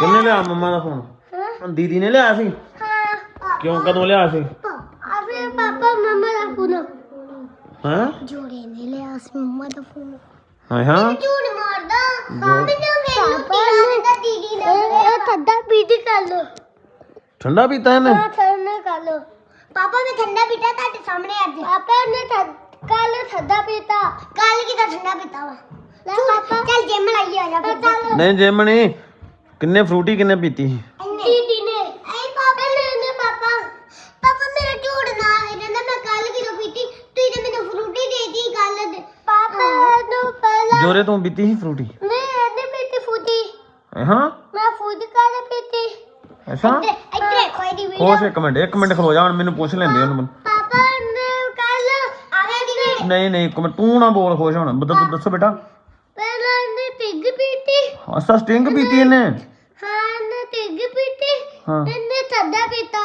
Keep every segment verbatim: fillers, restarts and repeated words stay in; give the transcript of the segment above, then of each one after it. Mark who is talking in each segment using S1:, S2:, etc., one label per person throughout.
S1: ਕਿੰਨੇ ਲਿਆ ਮੰਮਾ ਦਾ ਫੋਨ? ਦੀਦੀ ਨੇ ਲਿਆ ਸੀ?
S2: ਹਾਂ।
S1: ਕਿਉਂ ਕਦੋਂ ਲਿਆ ਸੀ?
S2: ਅਬੇ ਪਾਪਾ ਮੰਮਾ ਦਾ ਫੋਨ
S1: ਹਾਂ
S2: ਜੋੜੇ ਨੇ ਲਿਆ ਸੀ ਮੰਮਾ ਦਾ ਫੋਨ।
S1: ਹਾਂ ਹਾਂ
S2: ਝੂਠ ਮਾਰਦਾ ਮੈਨੂੰ ਮੈਨੂੰ ਦਾ ਦੀਦੀ ਨੇ ਇਹ ਠੰਡਾ ਪੀਤੀ ਕਰ ਲੋ।
S1: ਠੰਡਾ ਪੀਤਾ ਇਹਨੇ?
S2: ਹਾਂ ਠੰਡਾ ਕਰ ਲੋ। ਪਾਪਾ ਮੈਂ ਠੰਡਾ ਪੀਤਾ ਤੁਹਾਡੇ ਸਾਹਮਣੇ ਅੱਜ। ਪਾਪਾ ਨੇ ਕੱਲ ਠੰਡਾ ਪੀਤਾ। ਕੱਲ ਕਿਦਾ ਠੰਡਾ ਪੀਤਾ ਵਾ? ਲੈ ਪਾਪਾ ਚੱਲ ਜਿਮ ਲਾਈਏ ਆ ਜਾ ਫਿਰ।
S1: ਨਹੀਂ ਜਿਮ ਨਹੀਂ। ਕਿੰਨੇ ਫਰੂਟੀ ਕਿੰਨੇ ਪੀਤੀ?
S2: ਦੀਦੀ ਨੇ। ਐ ਪਾਪਾ ਨੇ ਨੇ ਪਾਪਾ ਪਾਪਾ ਮੇਰਾ ਝੂਠ ਨਾ ਹੈ ਕਹਿੰਦਾ ਮੈਂ ਕੱਲ ਕਿਦੋਂ ਪੀਤੀ ਤੂੰ ਤੇ ਮੈਨੂੰ ਫਰੂਟੀ ਦੇਤੀ ਕੱਲ ਦੇ। ਪਾਪਾ ਨੂੰ ਪਹਿਲਾਂ
S1: ਜੋਰੇ ਤੂੰ ਪੀਤੀ ਸੀ ਫਰੂਟੀ?
S2: ਨਹੀਂ ਇਹਨੇ ਪੀਤੀ ਫਰੂਟੀ।
S1: ਹਾਂ
S2: ਮੈਂ ਫਰੂਟੀ ਕਾਲੇ ਪੀਤੀ।
S1: ਅੱਛਾ
S2: ਇੱਧਰ ਦੇਖੋ ਇਹਦੀ ਵੀਡੀਓ।
S1: ਖੋਸ਼ ਇੱਕ ਮਿੰਟ ਇੱਕ ਮਿੰਟ ਖਲੋ ਜਾ ਹੁਣ ਮੈਨੂੰ ਪੁੱਛ ਲੈਂਦੇ ਉਹਨੂੰ।
S2: ਪਾਪਾ ਨੇ ਕੱਲ ਆਵੇ ਦੀ
S1: ਨਹੀਂ ਨਹੀਂ ਇੱਕ ਮਿੰਟ ਤੂੰ ਨਾ ਬੋਲ ਖੁਸ਼ ਹੁਣ ਬਤਾ ਦੱਸੋ ਬੇਟਾ।
S2: ਪਹਿਲਾਂ ਇਹਨੇ ਤਿੱਗ ਪੀਤੀ।
S1: ਅੱਛਾ ਸਟਿੰਗ ਪੀਤੀ ਇਹਨੇ?
S2: ਹਾਂ ਇਹਨੇ ਤਿੱਗ ਪੀਤੀ।
S1: ਹਾਂ
S2: ਇਹਨੇ ਠੰਡਾ ਪੀਤਾ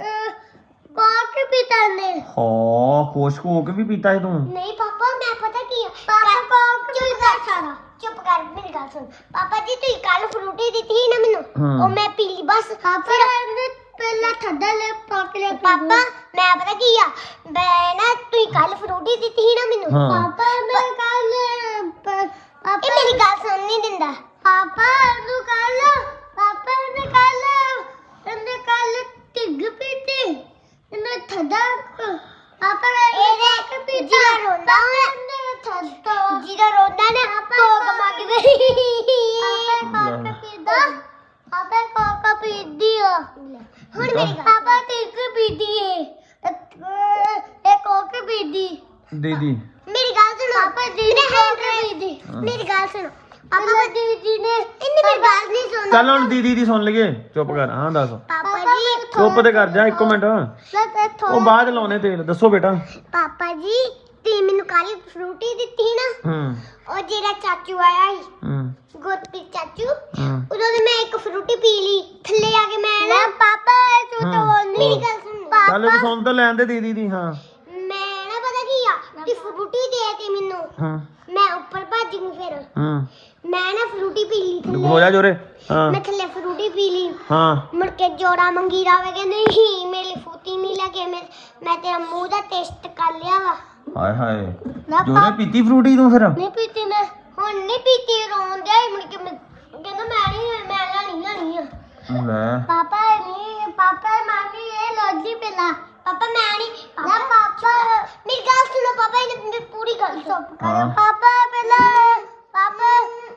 S2: ਕੋਕ ਪੀਤਾ ਨੇ।
S1: ਹਾਂ ਖੁਸ਼ ਹੋ ਕੇ ਵੀ ਪੀਤਾ ਹੈ ਤੂੰ?
S2: ਨਹੀਂ ਪਾਪਾ ਮੈਂ ਪਤਾ ਕੀ ਆ ਪਾਪਾ ਕੋਕ ਪੀਤਾ ਸਾਰਾ। ਚੁੱਪ ਕਰ ਮੇਰੀ ਗੱਲ ਸੁਣ। ਪਾਪਾ ਜੀ ਤੁਸੀਂ ਕੱਲ ਫਰੂਟੀ ਦਿੱਤੀ ਸੀ ਨਾ ਮੈਨੂੰ ਉਹ ਮੈਂ ਪੀ ਲਈ ਬਸ। ਫਿਰ ਇਹਨੇ ਪਹਿਲਾਂ ਠੰਡਾ ਲੈ ਪਾ ਕੇ ਲਿਆ। ਪਾਪਾ ਮੈਂ ਪਤਾ ਕੀ ਆ ਮੈਂ ਨਾ ਤੁਸੀਂ ਕੱਲ ਫਰੂਟੀ ਦਿੱਤੀ ਸੀ ਨਾ ਮੈਨੂੰ। ਪਾਪਾ ਮੈਂ ਕੱਲ ਪਾਪਾ ਇਹ ਮੇਰੀ ਗੱਲ ਸੁਣ ਨਹੀਂ ਦਿੰਦਾ। ਪਾਪਾ ਨੂੰ ਕੱਲ ਪਾਪਾ ਨੇ ਕੱਲ ਇਹਨੇ ਕੱਲ ਤਿੱਗ ਪੀਤੀ ਇਹਨੇ ਠੰਡਾ ਪਾਪਾ ਇਹਦੇ ਪੀਤੀ ਰੋਂਦਾ ਉਹਨੇ ਠੰਡਾ ਜਿਹੜਾ ਰੋਂਦਾ ਨਾ ਕੋਕ ਮੰਗਦੇ ਪਾਪਾ ਕੋਕ ਪੀਦਾ ਪਾਪਾ ਕੋਕ ਪੀਦੀ ਆ। ਹੁਣ ਮੇਰੀ ਗੱਲ ਪਾਪਾ ਤਿੱਗ ਪੀਦੀ ਏ ਇਹ ਕੋਕ ਪੀਦੀ।
S1: ਦੀਦੀ
S2: ਮੇਰੀ ਗੱਲ ਸੁਣੋ। ਪਾਪਾ ਜੀ ਨੇ ਕੋਕ ਪੀਦੀ। ਮੇਰੀ ਗੱਲ ਸੁਣੋ ਪਾਪਾ ਦੀਦੀ ਨੇ ਇਹਨੇ ਮੇਰੀ ਗੱਲ ਨਹੀਂ ਸੁਣੀ।
S1: ਚੱਲ ਹੁਣ ਦੀਦੀ ਦੀ ਸੁਣ ਲਈਏ ਚੁੱਪ ਕਰ। ਹਾਂ ਦੱਸ।
S2: ਪਾਪਾ ਜੀ
S1: ਚੁੱਪ ਤੇ ਕਰ ਜਾ ਇੱਕ ਮਿੰਟ ਉਹ ਬਾਅਦ ਲਾਉਣੇ ਤੇਲ। ਦੱਸੋ ਬੇਟਾ।
S2: ਪਾਪਾ ਜੀ ਤੁਸੀਂ ਮੈਨੂੰ ਕੱਲ ਫਰੂਟੀ ਦਿੱਤੀ ਸੀ ਨਾ
S1: ਹੂੰ
S2: ਉਹ ਜਿਹੜਾ ਚਾਚੂ ਆਇਆ ਸੀ
S1: ਹੂੰ
S2: ਗੁਰਪ੍ਰੀਤ ਚਾਚੂ
S1: ਹੂੰ
S2: ਉਦੋਂ ਤੇ ਮੈਂ ਇੱਕ ਫਰੂਟੀ ਪੀ ਲਈ ਥੱਲੇ ਆ ਕੇ ਮੈਂ ਨਾ ਪਾਪਾ ਤੂੰ ਤਾਂ ਬੋਲ ਮੇਰੀ ਗੱਲ ਸੁਣ।
S1: ਚੱਲ
S2: ਪਾਪਾ
S1: ਸੁਣ ਤਾਂ ਲੈਣ ਦੇ ਦੀਦੀ ਦੀ। ਹਾਂ
S2: ਮੈਂ ਨਾ ਪਤਾ ਕੀ ਆ ਕਿ ਫਰੂਟੀ ਦੇ ਤੇ ਮੈਨੂੰ
S1: ਹਾਂ
S2: ਮੈਂ ਉੱਪਰ ਭੱਜ ਗਈ ਫਿਰ
S1: ਹੂੰ
S2: ਮੈਂ ਨਾ ਫਰੂਟੀ ਪੀ ਲਈ ਥੱਲੇ।
S1: ਹੋ ਜਾ ਜੋਰੇ। ਹਾਂ
S2: ਮੈਂ ਥੱਲੇ ਫਰੂਟੀ ਪੀ ਲਈ
S1: ਹਾਂ
S2: ਮੁੜ ਕੇ ਜੋੜਾ ਮੰਗੀਰਾ ਵੇ ਕਹਿੰਦੇ ਨਹੀਂ ਮੇਰੀ ਫੂਤੀ ਨਹੀਂ ਲੱਗੇ ਮੈਂ ਮੈਂ ਤੇਰਾ ਮੂੰਹ ਦਾ ਟੇਸਟ ਕਰ ਲਿਆ ਵਾ।
S1: ਹਾਏ ਹਾਏ
S2: ਨਾ
S1: ਜੋਰੇ ਪੀਤੀ ਫਰੂਟੀ ਤੂੰ ਫਿਰ?
S2: ਨਹੀਂ ਪੀਤੀ ਮੈਂ ਹੁਣ ਨਹੀਂ ਪੀਤੀ ਰੋਣ ਦਿਆ ਮੁੜ ਕੇ ਮੈਂ ਕਹਿੰਦਾ ਮੈਂ ਨਹੀਂ ਮੈਂ ਲੈਣੀ ਲੈਣੀ ਆ।
S1: ਲੈ
S2: ਪਾਪਾ ਨਹੀਂ ਪਾਪਾ ਮਾਮੀ ਇਹ ਲੋਜੀ ਪਿਲਾ ਪਾਪਾ ਮੈਂ ਨਹੀਂ ਨਾ ਪਾਪਾ ਮੇਰੀ ਗੱਲ ਸੁਣੋ ਪਾਪਾ ਇਹਨੇ ਮੇਰੀ ਪੂਰੀ ਗੱਲ ਸੁਣ।
S1: ਹਾਂ।
S2: ਪਾਪਾ ਪਹਿਲਾਂ ਪਾਪਾ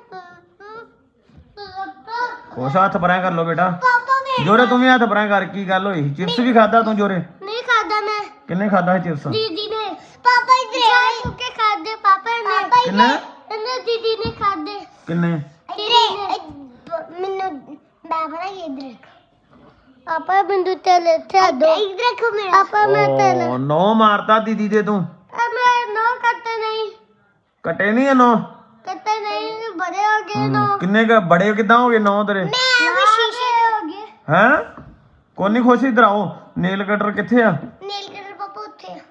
S1: ਖੁਸ਼ ਹੱਥ ਪਰਾਂ ਕਰ ਲੋ ਬੇਟਾ।
S2: ਪਾਪਾ ਮੈਂ
S1: ਜੋਰੇ ਤੂੰ ਵੀ ਹੱਥ ਪਰਾਂ ਕਰ। ਕੀ ਗੱਲ ਹੋਈ? ਚਿਪਸ ਵੀ ਖਾਦਾ ਤੂੰ ਜੋਰੇ?
S2: ਨਹੀਂ ਖਾਦਾ ਮੈਂ
S1: ਕਿੰਨੇ ਖਾਦਾ ਚਿਪਸ?
S2: ਦੀਦੀ ਨੇ। ਪਾਪਾ ਇਧਰ ਆਏ ਕੇ ਖਾਦੇ ਪਾਪਾ ਨੇ।
S1: ਕਿੰਨੇ?
S2: ਇਹਨੇ ਦੀਦੀ ਨੇ ਖਾਦੇ।
S1: ਕਿੰਨੇ?
S2: ਇਧਰ ਮੈਨੂੰ ਮੈਂ ਪਤਾ ਕੀ ਇਧਰ ਪਾਪਾ ਬਿੰਦੂ ਤੇਲ ਇੱਥੇ ਦੋ ਇਧਰ ਰੱਖੋ ਮੇਰਾ। ਪਾਪਾ ਮੈਂ ਤੇਲ
S1: ਓ ਨੋ ਮਾਰਤਾ ਦੀਦੀ ਦੇ ਤੂੰ।
S2: ਮੈਂ ਨੋ ਕੱਟੇ ਨਹੀਂ
S1: ਕਟੇ ਨਹੀਂ ਨੋ?
S2: ਕੱਟੇ ਨਹੀਂ ਬੜੇ ਹੋ ਗਏ ਨੋ।
S1: ਕਿੰਨੇ ਕ ਬੜੇ ਕਿਦਾਂ ਹੋ ਗਏ ਨੋ ਤੇਰੇ?
S2: ਮੈਂ ਵੀ ਸ਼ੀਸ਼ੇ ਹੋ ਗਏ।
S1: ਹੈ ਕੋਈ ਨਹੀਂ ਖੁਸ਼ ਇਧਰ ਆਓ। ਨੇਲ ਕਟਰ ਕਿੱਥੇ ਆ?
S2: ਨੀਲ ਕਲਰ ਪਾਪਾ ਉੱਥੇ ਆ।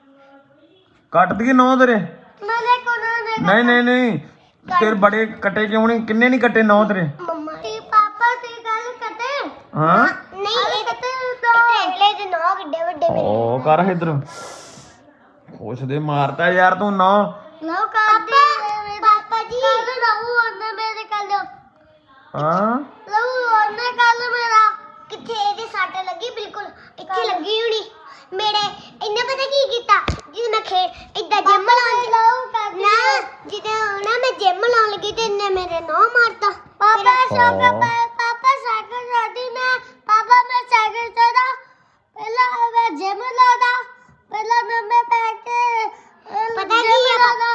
S1: ਕੱਟ ਦਈਏ ਨੋ ਤੇਰੇ?
S2: ਮੈਨੇ ਕੋਨਾ ਨੇ
S1: ਨਹੀਂ ਨਹੀਂ ਨਹੀਂ ਤੇਰੇ ਬੜੇ ਕੱਟੇ ਕਿਉਂ ਨਹੀਂ? ਕਿੰਨੇ ਨਹੀਂ ਕੱਟੇ ਨੋ ਤੇਰੇ?
S2: ਮੰਮਾ ਤੇ ਪਾਪਾ ਤੇ ਗੱਲ ਕੱਟੇ
S1: ਹਾਂ
S2: ਨਹੀਂ ਇਹ ਕੱਟੇ ਦੋ ਅਗਲੇ ਦੇ ਨੋ ਵੱਡੇ ਵੱਡੇ ਮੇਰੇ।
S1: ਓ ਕਰ ਇਧਰ ਖੁਸ਼ ਦੇ ਮਾਰਤਾ ਯਾਰ ਤੂੰ ਨੋ।
S2: ਲਓ ਕਰਦੇ ਪਾਪਾ ਜੀ ਕੱਲ ਰਹੂ ਉਹਨੇ ਮੇਰੇ ਕੱਲ
S1: ਹਾਂ
S2: ਲਓ ਉਹਨੇ ਕੱਲ ਮੇਰਾ ਕਿੱਥੇ ਇਹਦੇ ਸੱਟ ਲੱਗੀ ਬਿਲਕੁਲ ਇੱਥੇ ਲੱਗੀ ਹੋਣੀ ਮੇਰੇ। ਇਹਨੇ ਪਤਾ ਕੀ ਕੀਤਾ ਜਿਵੇਂ ਮੈਂ ਖੇ ਇਦਾਂ ਜਿਮ ਲਾਉਣ ਨਾ ਜਿੱਦਾਂ ਨਾ ਮੈਂ ਜਿਮ ਲਾਉਣ ਲੱਗੀ ਤੇ ਇਹਨੇ ਮੇਰੇ ਨੋ ਮਾਰਤਾ। ਪਾਪਾ ਸਾਈਕਲ ਪਾਪਾ ਸਾਈਕਲ ਚਲਾਉਂਦੀ ਮੈਂ ਪਾਪਾ ਮੈਂ ਸਾਈਕਲ ਚਲਾ ਪਹਿਲਾਂ ਮੈਂ ਜਿਮ ਲਾਉਂਦਾ ਪਹਿਲਾਂ ਮੈਂ ਮੈਂ ਪੈ ਕੇ ਪਤਾ ਕੀ ਆ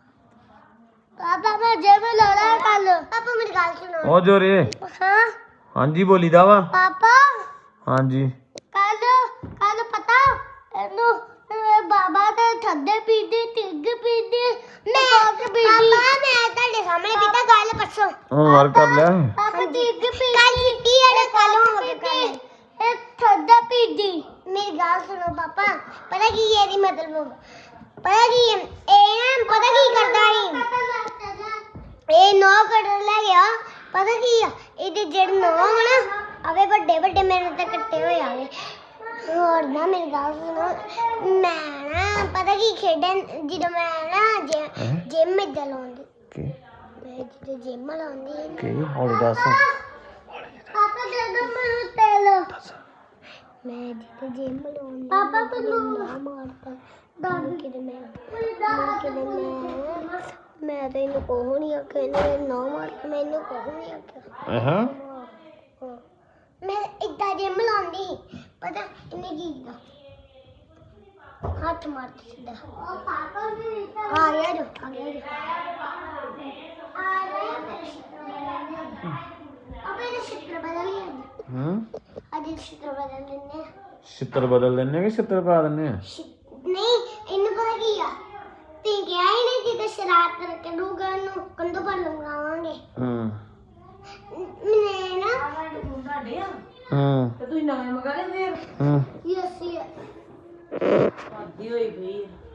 S2: ਪਾਪਾ ਮੈਂ ਜਿਮ ਲਾਉਣਾ ਕੱਲ। ਪਾਪਾ ਮੇਰੀ ਗੱਲ ਸੁਣੋ।
S1: ਓ ਜੋਰੇ
S2: ਹਾਂ
S1: ਹਾਂਜੀ ਬੋਲੀਦਾ ਵਾ।
S2: ਪਾਪਾ
S1: ਹਾਂਜੀ
S2: ਕੱਲ ਕੱਲ ਪਤਾ ਇਹਨੂੰ ਬਾਬਾ ਤੇ ਠੰਡੇ ਪੀਂਦੇ ਤਿੱਗ ਪੀਂਦੇ ਮੈਂ ਪਾਪਾ ਮੈਂ ਤੁਹਾਡੇ ਸਾਹਮਣੇ ਪੀਤਾ ਗੱਲ ਪਰਸੋਂ।
S1: ਹੁਣ ਵਾਰ ਕਰ ਲਿਆ।
S2: ਪਾਪਾ ਤਿੱਗ ਪੀਂਦੇ ਕੱਲ ਪੀਤੀ ਹੈ ਕੱਲ ਹੋ ਕੇ ਕੱਲ ਇਹ ਠੰਡਾ ਪੀਂਦੀ। ਮੇਰੀ ਗੱਲ ਸੁਣੋ ਪਾਪਾ ਪਤਾ ਕੀ ਹੈ ਇਹਦੀ ਮਤਲਬ ਪਤਾ ਕੀ ਹੈ ਇਹ ਨਾ ਪਤਾ ਕੀ ਕਰਦਾ ਸੀ ਇਹ ਨੌ ਕੱਢ ਲੈ ਗਿਆ ਪਤਾ ਕੀ ਆ ਇਹਦੇ ਜਿਹੜੇ ਨੌ ਨਾ ਆਵੇ ਵੱਡੇ ਵੱਡੇ ਮੇਰੇ ਤੇ ਕੱਟੇ ਹੋਏ ਆਵੇ ਹੋਰ ਨਾ ਮੇਰੀ ਗੱਲ ਸੁਣੋ ਮੈਂ ਨਾ ਪਤਾ ਕੀ ਖੇਡਣ ਜਦੋਂ ਮੈਂ ਨਾ ਜਿਮ ਇੱਦਾਂ ਲਾਉਂਦੀ
S1: ਕੀ
S2: ਮੈਂ ਜਦੋਂ ਜਿਮ ਲਾਉਂਦੀ
S1: ਕੀ ਹੌਲੀ ਦੱਸ
S2: ਪਾਪਾ ਦੇ ਦੋ ਮੈਨੂੰ ਤੇਲ ਮੈਂ ਜਦੋਂ ਜਿਮ ਲਾਉਂਦੀ ਪਾਪਾ ਤੈਨੂੰ ਨਾ ਮਾਰਦਾ ਦਾਦ ਕਿਤੇ ਮੈਂ ਮੈਂ ਕਿਤੇ ਮੈਂ ਮੈਂ ਤਾਂ ਇਹਨੂੰ ਕੋਹ ਨਹੀਂ ਆਖਿਆ ਇਹਨੇ ਨਾ ਮਾਰ ਕੇ ਮੈਨੂੰ ਕੋਹ ਨਹੀਂ ਆਖਿਆ
S1: ਹਾਂ
S2: ਮੈਂ ਇੱਦਾਂ ਜਿਮ ਲਾਉਂਦੀ ਸੀ ਪਤਾ ਇਹਨੇ ਕੀ ਕੀਤਾ ਹੱਥ ਮਾਰਤੀ ਸਿੱਧਾ ਉਹ ਪਾਪਾ ਵੀ ਆ ਗਿਆ ਜੋ ਆ ਗਿਆ ਜੋ ਆ ਗਿਆ ਅਬੇ ਇਹ ਸ਼ਿੱਤਰ ਬਦਲ ਲਿਆ
S1: ਹੂੰ
S2: ਅੱਜ ਸ਼ਿੱਤਰ ਬਦਲ ਲੈਣੇ
S1: ਛਿੱਤਰ ਬਦਲ ਦਿੰਨੇ ਕਿ ਛਿੱਤਰ ਪਾ ਦਿੰਨੇ ਆ
S2: ਨਹੀਂ ਇਹਨੂੰ ਪਤਾ ਕੀ ਆ ਤੀ ਗਿਆ ਹੀ ਨਹੀਂ ਕਿ ਤੇ ਸ਼ਰਾਰਤ ਕਰਕੇ ਦੂਗਾ ਨੂੰ ਕੰਦੋ ਪਰ ਲੰਗਾਵਾਂਗੇ
S1: ਹੂੰ
S2: ਮੈਨੇ ਨਾ
S1: ਹੂੰ
S3: ਤੇ ਤੁਸੀਂ ਨਵੇਂ ਮੰਗਾ ਲੈ ਫੇਰ
S1: ਹੂੰ
S2: ਯਸ ਯਸ
S3: ਆਦੀ ਹੋਈ ਪਈ ਆ।